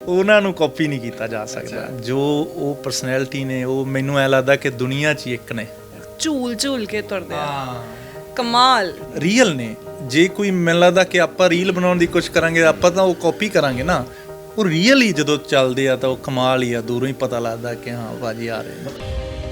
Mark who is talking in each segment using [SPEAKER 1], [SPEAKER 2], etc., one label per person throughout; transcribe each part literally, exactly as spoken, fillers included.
[SPEAKER 1] ਉਹਨਾਂ ਨੂੰ ਕਾਪੀ ਨਹੀਂ ਕੀਤਾ ਜਾ ਸਕਦਾ। ਜੋ ਉਹ ਪਰਸਨੈਲਿਟੀ ਨੇ ਉਹ ਮੈਨੂੰ ਐ ਲੱਗਦਾ ਕਿ ਦੁਨੀਆ 'ਚ ਹੀ ਇੱਕ ਨੇ।
[SPEAKER 2] ਝੂਲ ਝੂਲ ਕੇ ਤੁਰਦੇ ਆ, ਕਮਾਲ
[SPEAKER 1] ਰੀਅਲ ਨੇ। ਜੇ ਕੋਈ ਮੈਨੂੰ ਲੱਗਦਾ ਕਿ ਆਪਾਂ ਰੀਲ ਬਣਾਉਣ ਦੀ ਕੋਸ਼ਿਸ਼ ਕਰਾਂਗੇ ਆਪਾਂ ਤਾਂ ਉਹ ਕਾਪੀ ਕਰਾਂਗੇ ਨਾ, ਉਹ ਰੀਅਲ ਹੀ ਜਦੋਂ ਚੱਲਦੇ ਆ ਤਾਂ ਉਹ ਕਮਾਲ ਹੀ ਆ। ਦੂਰੋਂ ਹੀ ਪਤਾ ਲੱਗਦਾ ਕਿ ਹਾਂ ਭਾਜੀ ਆ ਰਹੇ ਨੇ।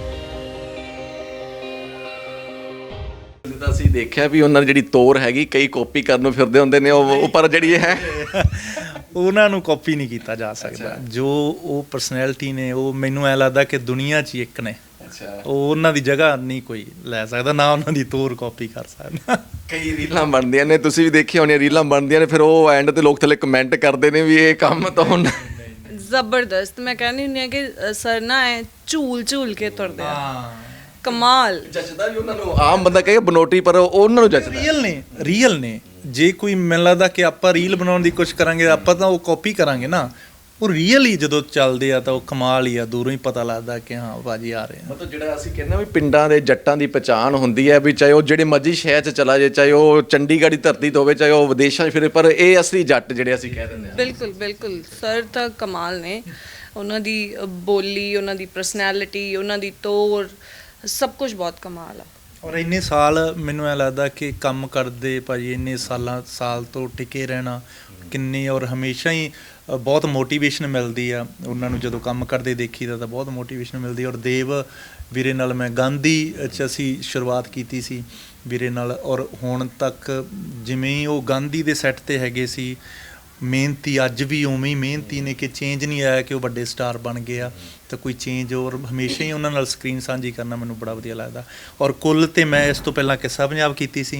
[SPEAKER 3] ਤਾਂ ਅਸੀਂ ਦੇਖਿਆ ਵੀ ਉਹਨਾਂ ਦੀ ਜਿਹੜੀ ਤੋਰ ਹੈਗੀ ਕਈ ਕਾਪੀ ਕਰਨ ਨੂੰ ਫਿਰਦੇ ਹੁੰਦੇ ਨੇ, ਉਹ ਪਰ ਜਿਹੜੀ ਇਹ ਹੈ
[SPEAKER 1] ਉਹਨਾਂ ਨੂੰ ਕਾਪੀ ਨਹੀਂ ਕੀਤਾ ਜਾ ਸਕਦਾ। ਜੋ ਉਹ ਪਰਸਨੈਲਿਟੀ ਨੇ ਉਹ ਮੈਨੂੰ ਐ ਲੱਗਦਾ ਕਿ ਦੁਨੀਆ 'ਚ ਹੀ ਇੱਕ ਨੇ। ਉਹ ਉਹਨਾਂ ਦੀ ਜਗ੍ਹਾ ਨਹੀਂ ਕੋਈ ਲੈ ਸਕਦਾ, ਨਾ ਉਹਨਾਂ ਦੀ ਤੋਰ ਕਾਪੀ ਕਰ ਸਕਦਾ।
[SPEAKER 3] ਕਈ ਰੀਲਾਂ ਬਣਦੀਆਂ ਨੇ, ਤੁਸੀਂ ਵੀ ਦੇਖੀਆਂ ਹੋਣੀਆਂ ਰੀਲਾਂ ਬਣਦੀਆਂ ਨੇ, ਫਿਰ ਉਹ ਐਂਡ ਤੇ ਲੋਕ ਥੱਲੇ ਕਮੈਂਟ ਕਰਦੇ ਨੇ ਵੀ ਇਹ ਕੰਮ ਤਾਂ ਹੁਣ
[SPEAKER 2] ਜ਼ਬਰਦਸਤ। ਮੈਂ ਕਹਿੰਦੀ ਹੁੰਦੀ ਹਾਂ ਕਿ ਸਰ ਨਾ ਐ ਝੂਲ ਝੂਲ ਕੇ ਤੁਰਦੇ ਆ, ਕਮਾਲ
[SPEAKER 3] ਜੱਜਦਾ ਵੀ ਉਹਨਾਂ ਨੂੰ। ਆਮ ਬੰਦਾ ਕਹੇ ਬਨੋਟੀ, ਪਰ ਉਹਨਾਂ ਨੂੰ ਜੱਜਦਾ।
[SPEAKER 1] ਰੀਅਲ ਨੇ, ਰੀਅਲ ਨੇ। ਜੇ ਕੋਈ ਮੈਨੂੰ ਲੱਗਦਾ ਕਿ ਆਪਾਂ ਰੀਲ ਬਣਾਉਣ ਦੀ ਕੋਸ਼ਿਸ਼ ਕਰਾਂਗੇ ਆਪਾਂ ਤਾਂ ਉਹ ਕਾਪੀ ਕਰਾਂਗੇ ਨਾ, ਉਹ ਰੀਅਲ ਹੀ ਜਦੋਂ ਚੱਲਦੇ ਆ ਤਾਂ ਉਹ ਕਮਾਲ ਹੀ ਆ। ਦੂਰੋਂ ਹੀ ਪਤਾ ਲੱਗਦਾ ਕਿ ਹਾਂ ਭਾਜੀ ਆ ਰਹੇ ਨੇ।
[SPEAKER 3] ਮਤਲਬ ਜਿਹੜਾ ਅਸੀਂ ਕਹਿੰਦੇ ਵੀ ਪਿੰਡਾਂ ਦੇ ਜੱਟਾਂ ਦੀ ਪਛਾਣ ਹੁੰਦੀ ਹੈ, ਵੀ ਚਾਹੇ ਉਹ ਜਿਹੜੇ ਮਰਜ਼ੀ ਸ਼ਹਿਰ 'ਚ ਚਲਾ ਜਾਏ, ਚਾਹੇ ਉਹ ਚੰਡੀਗੜ੍ਹ ਦੀ ਧਰਤੀ ਤੋਂ ਹੋਵੇ, ਚਾਹੇ ਉਹ ਵਿਦੇਸ਼ਾਂ 'ਚ ਫਿਰੇ, ਪਰ ਇਹ ਅਸਲੀ ਜੱਟ ਜਿਹੜੇ ਅਸੀਂ ਕਹਿ ਦਿੰਦੇ ਹਾਂ।
[SPEAKER 2] ਬਿਲਕੁਲ ਬਿਲਕੁਲ ਸਰ ਤਾਂ ਕਮਾਲ ਨੇ। ਉਹਨਾਂ ਦੀ ਬੋਲੀ, ਉਹਨਾਂ ਦੀ ਪਰਸਨੈਲਿਟੀ, ਉਹਨਾਂ ਦੀ ਤੋਰ, ਸਭ ਕੁਝ ਬਹੁਤ ਕਮਾਲ ਆ।
[SPEAKER 1] ਔਰ ਇੰਨੇ ਸਾਲ ਮੈਨੂੰ ਐ ਲੱਗਦਾ ਕਿ ਕੰਮ ਕਰਦੇ ਭਾਜੀ, ਇੰਨੇ ਸਾਲਾਂ ਸਾਲ ਤੋਂ ਟਿਕੇ ਰਹਿਣਾ ਕਿੰਨੇ, ਔਰ ਹਮੇਸ਼ਾ ਹੀ ਬਹੁਤ ਮੋਟੀਵੇਸ਼ਨ ਮਿਲਦੀ ਆ ਉਹਨਾਂ ਨੂੰ। ਜਦੋਂ ਕੰਮ ਕਰਦੇ ਦੇਖੀਦਾ ਤਾਂ ਬਹੁਤ ਮੋਟੀਵੇਸ਼ਨ ਮਿਲਦੀ। ਔਰ ਦੇਵ ਵੀਰੇ ਨਾਲ ਮੈਂ ਗਾਂਧੀ 'ਚ ਅਸੀਂ ਸ਼ੁਰੂਆਤ ਕੀਤੀ ਸੀ ਵੀਰੇ ਨਾਲ, ਔਰ ਹੁਣ ਤੱਕ ਜਿਵੇਂ ਹੀ ਉਹ ਗਾਂਧੀ ਦੇ ਸੈੱਟ 'ਤੇ ਹੈਗੇ ਸੀ, ਮਿਹਨਤੀ ਅੱਜ ਵੀ ਉਵੇਂ ਹੀ ਮਿਹਨਤੀ ਨੇ ਕਿ ਚੇਂਜ ਨਹੀਂ ਆਇਆ ਕਿ ਉਹ ਵੱਡੇ ਸਟਾਰ ਬਣ ਗਏ ਆ ਤਾਂ ਕੋਈ ਚੇਂਜ। ਔਰ ਹਮੇਸ਼ਾ ਹੀ ਉਹਨਾਂ ਨਾਲ ਸਕਰੀਨ ਸਾਂਝੀ ਕਰਨਾ ਮੈਨੂੰ ਬੜਾ ਵਧੀਆ ਲੱਗਦਾ। ਔਰ ਕੁੱਲ ਤੇ ਮੈਂ ਇਸ ਤੋਂ ਪਹਿਲਾਂ ਕਿੱਸਾ ਪੰਜਾਬ ਕੀਤੀ ਸੀ,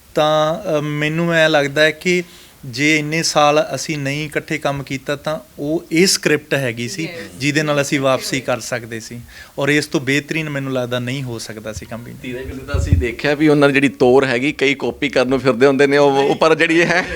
[SPEAKER 1] ਤਾਂ ਮੈਨੂੰ ਐਂ ਲੱਗਦਾ ਹੈ ਕਿ ਜੇ ਇੰਨੇ ਸਾਲ ਅਸੀਂ ਨਹੀਂ ਇਕੱਠੇ ਕੰਮ ਕੀਤਾ ਤਾਂ ਉਹ ਇਹ ਸਕ੍ਰਿਪਟ ਹੈਗੀ ਸੀ ਜਿਹਦੇ ਨਾਲ ਅਸੀਂ ਵਾਪਸੀ ਕਰ ਸਕਦੇ ਸੀ, ਔਰ ਇਸ ਤੋਂ ਬਿਹਤਰੀਨ ਮੈਨੂੰ ਲੱਗਦਾ ਨਹੀਂ ਹੋ ਸਕਦਾ ਸੀ ਕੰਮ ਵੀ।
[SPEAKER 3] ਧੀਰੇ ਧੀਰੇ ਤਾਂ ਅਸੀਂ ਦੇਖਿਆ ਵੀ ਉਹਨਾਂ ਦੀ ਜਿਹੜੀ ਤੋਰ ਹੈਗੀ ਕਈ ਕਾਪੀ ਕਰਨ ਨੂੰ ਫਿਰਦੇ ਹੁੰਦੇ ਨੇ, ਉਹ ਪਰ ਜਿਹੜੀ ਇਹ ਹੈ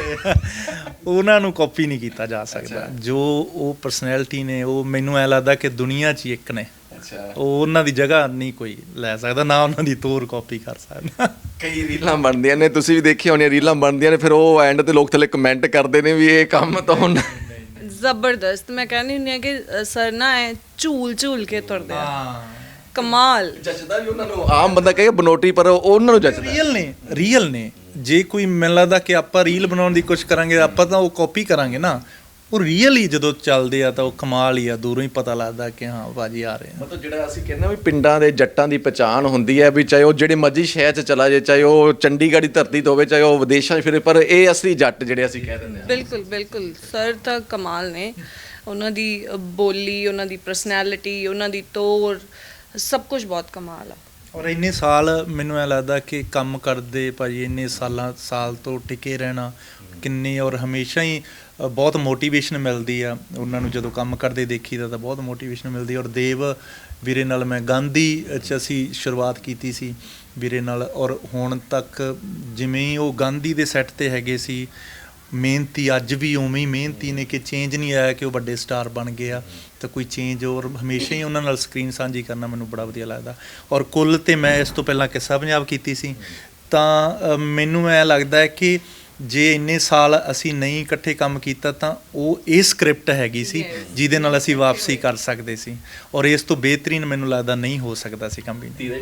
[SPEAKER 1] ਉਹਨਾਂ ਨੂੰ ਕਾਪੀ ਨਹੀਂ ਕੀਤਾ ਜਾ ਸਕਦਾ। ਜੋ ਉਹ ਪਰਸਨੈਲਿਟੀ ਨੇ ਉਹ ਮੈਨੂੰ ਐ ਲੱਗਦਾ ਕਿ ਦੁਨੀਆ 'ਚ ਹੀ ਇੱਕ ਨੇ। ਉਹ ਉਹਨਾਂ ਦੀ ਜਗ੍ਹਾ ਨਹੀਂ ਕੋਈ ਲੈ ਸਕਦਾ, ਨਾ ਉਹਨਾਂ ਦੀ ਤੋਰ ਕਾਪੀ ਕਰ ਸਕਦਾ।
[SPEAKER 3] ਕਈ ਰੀਲਾਂ ਬਣਦੀਆਂ ਨੇ, ਤੁਸੀਂ ਵੀ ਦੇਖੀਆਂ ਹੋਣੀਆਂ ਰੀਲਾਂ ਬਣਦੀਆਂ ਨੇ, ਫਿਰ ਉਹ ਐਂਡ ਤੇ ਲੋਕ ਥੱਲੇ ਕਮੈਂਟ ਕਰਦੇ ਨੇ ਵੀ ਇਹ ਕੰਮ ਤਾਂ ਹੁਣ
[SPEAKER 2] ਜ਼ਬਰਦਸਤ। ਮੈਂ ਕਹਿੰਦੀ ਹੁੰਦੀ ਹਾਂ ਕਿ ਸਰ ਨਾ ਐ ਝੂਲ ਝੂਲ ਕੇ ਤੁਰਦੇ ਆ, ਕਮਾਲ
[SPEAKER 3] ਜੱਜਦਾ ਵੀ ਉਹਨਾਂ ਨੂੰ। ਆਮ ਬੰਦਾ ਕਹੇ ਬਨੋਟੀ, ਪਰ ਉਹਨਾਂ ਨੂੰ ਜੱਜਦਾ।
[SPEAKER 1] ਰੀਅਲ ਨੇ, ਰੀਅਲ ਨੇ। ਜੇ ਕੋਈ ਮੈਨੂੰ ਲੱਗਦਾ ਕਿ ਆਪਾਂ ਰੀਲ ਬਣਾਉਣ ਦੀ ਕੋਸ਼ਿਸ਼ ਕਰਾਂਗੇ ਆਪਾਂ ਤਾਂ ਉਹ ਕਾਪੀ ਕਰਾਂਗੇ ਨਾ, ਉਹ ਰੀਅਲ ਹੀ ਜਦੋਂ ਚੱਲਦੇ ਆ ਤਾਂ ਉਹ ਕਮਾਲ ਹੀ ਆ। ਦੂਰੋਂ ਹੀ ਪਤਾ ਲੱਗਦਾ ਕਿ ਹਾਂ ਭਾਜੀ ਆ ਰਹੇ ਨੇ।
[SPEAKER 3] ਮਤਲਬ ਜਿਹੜਾ ਅਸੀਂ ਕਹਿੰਦੇ ਵੀ ਪਿੰਡਾਂ ਦੇ ਜੱਟਾਂ ਦੀ ਪਛਾਣ ਹੁੰਦੀ ਹੈ, ਵੀ ਚਾਹੇ ਉਹ ਜਿਹੜੇ ਮਰਜ਼ੀ ਸ਼ਹਿਰ 'ਚ ਚਲਾ ਜਾਏ, ਚਾਹੇ ਉਹ ਚੰਡੀਗੜ੍ਹ ਦੀ ਧਰਤੀ ਤੋਂ ਹੋਵੇ, ਚਾਹੇ ਉਹ ਵਿਦੇਸ਼ਾਂ 'ਚ ਫਿਰੇ, ਪਰ ਇਹ ਅਸਲੀ ਜੱਟ ਜਿਹੜੇ ਅਸੀਂ ਕਹਿ ਦਿੰਦੇ ਹਾਂ।
[SPEAKER 2] ਬਿਲਕੁਲ ਬਿਲਕੁਲ ਸਰ ਤਾਂ ਕਮਾਲ ਨੇ। ਉਹਨਾਂ ਦੀ ਬੋਲੀ, ਉਹਨਾਂ ਦੀ ਪਰਸਨੈਲਿਟੀ, ਉਹਨਾਂ ਦੀ ਤੋਰ, ਸਭ ਕੁਝ ਬਹੁਤ ਕਮਾਲ ਆ।
[SPEAKER 1] ਔਰ ਇੰਨੇ ਸਾਲ ਮੈਨੂੰ ਐ ਲੱਗਦਾ ਕਿ ਕੰਮ ਕਰਦੇ ਭਾਜੀ, ਇੰਨੇ ਸਾਲਾਂ ਸਾਲ ਤੋਂ ਟਿਕੇ ਰਹਿਣਾ ਕਿੰਨੇ, ਔਰ ਹਮੇਸ਼ਾ ਹੀ ਬਹੁਤ ਮੋਟੀਵੇਸ਼ਨ ਮਿਲਦੀ ਆ ਉਹਨਾਂ ਨੂੰ। ਜਦੋਂ ਕੰਮ ਕਰਦੇ ਦੇਖੀਦਾ ਤਾਂ ਬਹੁਤ ਮੋਟੀਵੇਸ਼ਨ ਮਿਲਦੀ। ਔਰ ਦੇਵ ਵੀਰੇ ਨਾਲ ਮੈਂ ਗਾਂਧੀ 'ਚ ਅਸੀਂ ਸ਼ੁਰੂਆਤ ਕੀਤੀ ਸੀ ਵੀਰੇ ਨਾਲ, ਔਰ ਹੁਣ ਤੱਕ ਜਿਵੇਂ ਹੀ ਉਹ ਗਾਂਧੀ ਦੇ ਸੈੱਟ 'ਤੇ ਹੈਗੇ ਸੀ, ਮਿਹਨਤੀ ਅੱਜ ਵੀ ਉਵੇਂ ਹੀ ਮਿਹਨਤੀ ਨੇ ਕਿ ਚੇਂਜ ਨਹੀਂ ਆਇਆ ਕਿ ਉਹ ਵੱਡੇ ਸਟਾਰ ਬਣ ਗਏ ਆ ਤਾਂ ਕੋਈ ਚੇਂਜ। ਔਰ ਹਮੇਸ਼ਾ ਹੀ ਉਹਨਾਂ ਨਾਲ ਸਕਰੀਨ ਸਾਂਝੀ ਕਰਨਾ ਮੈਨੂੰ ਬੜਾ ਵਧੀਆ ਲੱਗਦਾ। ਔਰ ਕੁੱਲ ਤੇ ਮੈਂ ਇਸ ਤੋਂ ਪਹਿਲਾਂ ਕਿੱਸਾ ਪੰਜਾਬ ਕੀਤੀ ਸੀ, ਤਾਂ ਮੈਨੂੰ ਐਂ ਲੱਗਦਾ ਹੈ ਕਿ ਜੇ ਇੰਨੇ ਸਾਲ ਅਸੀਂ ਨਹੀਂ ਇਕੱਠੇ ਕੰਮ ਕੀਤਾ ਤਾਂ ਉਹ ਇਹ ਸਕ੍ਰਿਪਟ ਹੈਗੀ ਸੀ ਜਿਹਦੇ ਨਾਲ ਅਸੀਂ ਵਾਪਸੀ ਕਰ ਸਕਦੇ ਸੀ, ਔਰ ਇਸ ਤੋਂ ਬਿਹਤਰੀਨ ਮੈਨੂੰ ਲੱਗਦਾ ਨਹੀਂ ਹੋ ਸਕਦਾ ਸੀ ਕੰਮ ਵੀ।